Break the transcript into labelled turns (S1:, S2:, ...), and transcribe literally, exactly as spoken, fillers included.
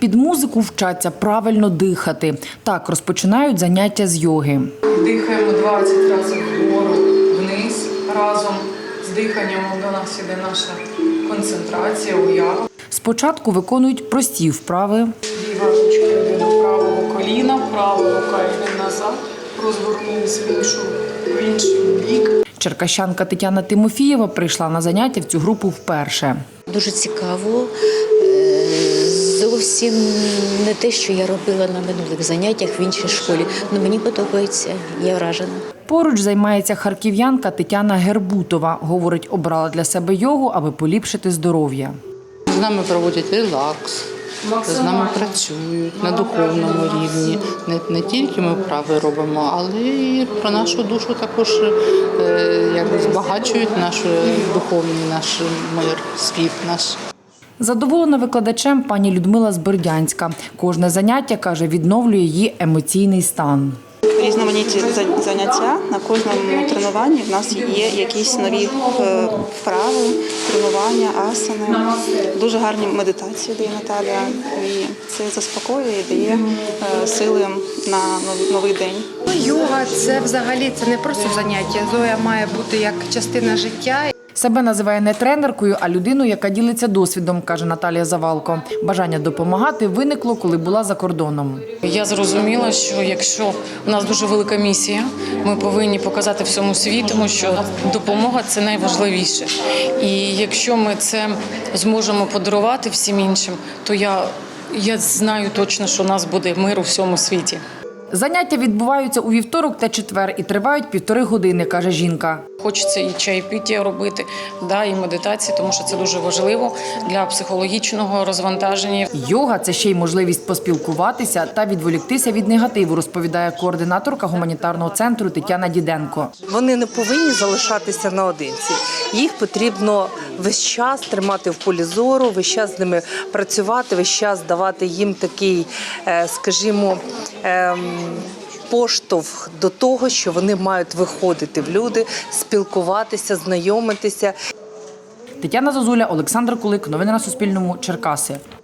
S1: під музику вчаться правильно дихати. Так розпочинають заняття з йоги.
S2: Дихаємо двадцять разів вгору, вниз разом. З диханням до нас іде наша концентрація, уява.
S1: Спочатку виконують прості вправи.
S2: Ліва ручка йде до правого коліна, права рука йде назад, розгорнулись в іншу, в інший бік.
S1: Черкащанка Тетяна Тимофієва прийшла на заняття в цю групу вперше.
S3: Дуже цікаво. Зовсім не те, що я робила на минулих заняттях в іншій школі. Але мені подобається, я вражена.
S1: Поруч займається харків'янка Тетяна Гербутова. Говорить, обрала для себе йогу, аби поліпшити здоров'я.
S4: З нами проводять релакс, з нами працюють на духовному рівні. Не, не тільки ми вправи робимо, але і про нашу душу також е, якби збагачують наш духовний наш мир, світ наш.
S1: Задоволена викладачем пані Людмила з Бердянська. Кожне заняття, каже, відновлює її емоційний стан.
S5: Різноманітні заняття. На кожному тренуванні в нас є якісь нові вправи, тренування, асани. Дуже гарні медитації дає Наталя. І це заспокоює і дає сили на новий день.
S6: Йога – це взагалі це не просто заняття. Йога має бути як частина життя.
S1: Себе називає не тренеркою, а людиною, яка ділиться досвідом, каже Наталія Завалко. Бажання допомагати виникло, коли була за кордоном.
S7: Я зрозуміла, що якщо у нас дуже велика місія, ми повинні показати всьому світу, що допомога – це найважливіше. І якщо ми це зможемо подарувати всім іншим, то я, я знаю точно, що у нас буде мир у всьому світі.
S1: Заняття відбуваються у вівторок та четвер і тривають півтори години, каже жінка.
S7: Хочеться і чайпіття робити, да, і медитації, тому що це дуже важливо для психологічного розвантаження.
S1: Йога – це ще й можливість поспілкуватися та відволіктися від негативу, розповідає координаторка гуманітарного центру Тетяна Діденко.
S8: Вони не повинні залишатися наодинці. Їх потрібно весь час тримати в полі зору, весь час з ними працювати, весь час давати їм такий, скажімо, поштовх до того, що вони мають виходити в люди, спілкуватися, знайомитися.
S1: Тетяна Зозуля, Олександр Кулик. Новини на Суспільному. Черкаси.